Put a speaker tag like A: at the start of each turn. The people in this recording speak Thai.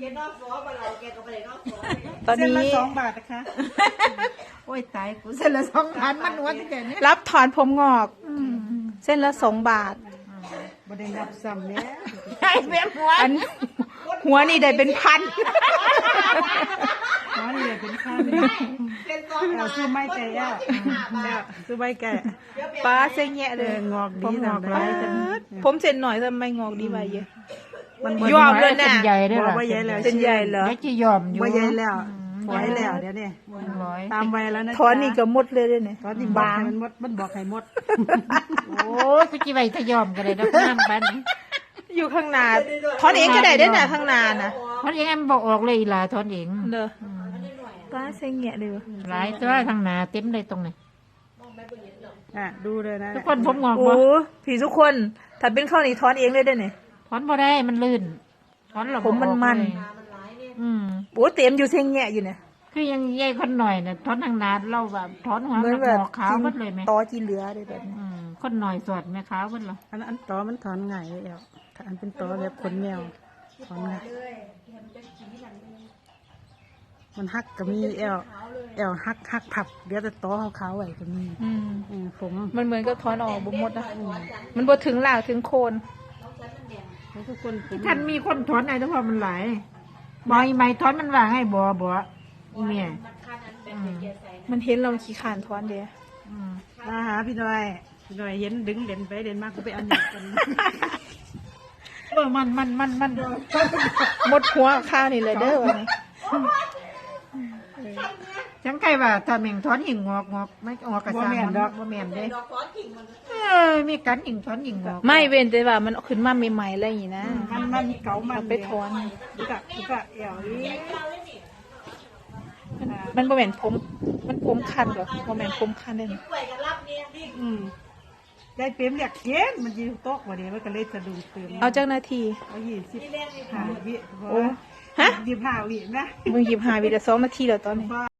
A: ตอนนี้
B: 2 บาทนะคะโอ้ยตายกูเส้นละ2,000มันวัดแต่เนี่ย
A: รับถอนผมงอกเส้นละ2 บาท
B: บ่ได้นับซ้ำเนี่ย
A: ให้เบี้ยหัวหัวนี่ได้เป็นพัน
B: อ๋อนี่เลยเป็นข้าวเอาซื้อไม้แก่ซื้อไม้แก่
A: ป้าเส้นแยะเลย
B: งอกดี
A: ผมงอก
B: ทำ
A: ไร
B: ได้
A: ผมเส้นหน่อยทำไมงอกดีไปเยอะ
B: มัน
A: ยอมเลยนะ
C: ใหญ่ได้หรอ
B: บ่ใหญ่แล้ว
A: เส้นใหญ่เหรอ
C: ไม่จะยอมอยู่
B: บ่ใหญ่แล้วฝอยแล้วเดี๋ยวนี้
C: ร้อย
B: ตามวัยแล้วนะ
A: ถอนนี่ก็หมดเลยด้วยเนี่ย
B: ถอนนี่บางมันบอกให้หมด
C: โอ้ยพี่จีไว้ถ้ายอมกันเลยนะน้ำปัน
A: อยู่ข้างหน้าถอนเองก็ได้ด้วยนะข้างหน้านะ
C: ทอนเองมันบอกออกเลยล่ะทอนเอง
A: เด้อป้าเส้นแยะเลย
C: หลายตัวทางหนาเต็มเลยตรงนี้
B: ดูเลยนะ
C: ทุกคนผมงอก
A: โอ้
C: บ่
A: ผีทุกคนถ้าเป็นข้าวนี่ถอนเองเลยด้วยเนี่ย
C: ถอนบ่ได้มันลื่นถอนเรา
A: ผมมัน โอ้เต็มอยู่เส้นแยะอยู่เนี่ย
C: คือยังใหญ่คนหน่อยน่ะถอนทางหนาเราแบบถอนหัว
A: เหมือน
C: ห
A: แบบ
C: งอกขาวหมดเลยไหม
A: ตอจีเหลือเลยแบบนี้
C: คนหน่อยสวดแม่ขาวหมดเหรอ
B: อันตอมันถอนง่ายเลยถ้าอันเป็นตอแบบขนแมวถอนง่ายมันหักก็มีแอวหักผับเดี๋ยวแต่ตอขาวๆไว้ก็มีผม
A: มันเหมือนกับถอนออกบ่หมดนะมันบ่ถึงหลากถึงโคน
B: ทุกคน
C: ท่านมีคนถอนไอ้แต่พอมันหลายบ่อยไหมถอนมันว่าให้บ่อีเมีย
A: มันเห็นเราขี้ขานถอนเดีย
B: มาหาพี่หน่อยเห็นดึงเด่นไปเด่นมากก็ไปเอาหนักกัน
C: มัน
A: หมดหัวข้าวนี่เลยเด้อวันนี้
C: จังไก่ว่าถ้าแม่งถอนหิ่งงอกไม่ออกกระซังบ่แม่นเด้มีกันหิ่งถอนหิ่งงอก
A: ไม่เว้นแต่ว่ามันขึ้นมาใหม่ๆอะไรอย่างนี้นะ
B: มันเก่ามัน
A: ไปถอน
B: กะแอวนี้
A: มันบ่แม่นผมมันผมคันเหรอบ่แม่นผมคันได้นี่
B: ได้เปรมอยากเย็นมันยืนโต๊ะวันนี้มันก็เลยสะดุ้งตื่น
A: เอาจักนาที
B: เอา25 วิ
A: โอ้ฮะ
B: 25 วินะ
A: มึง25 วิละ2 นาทีแล้วตอนนี้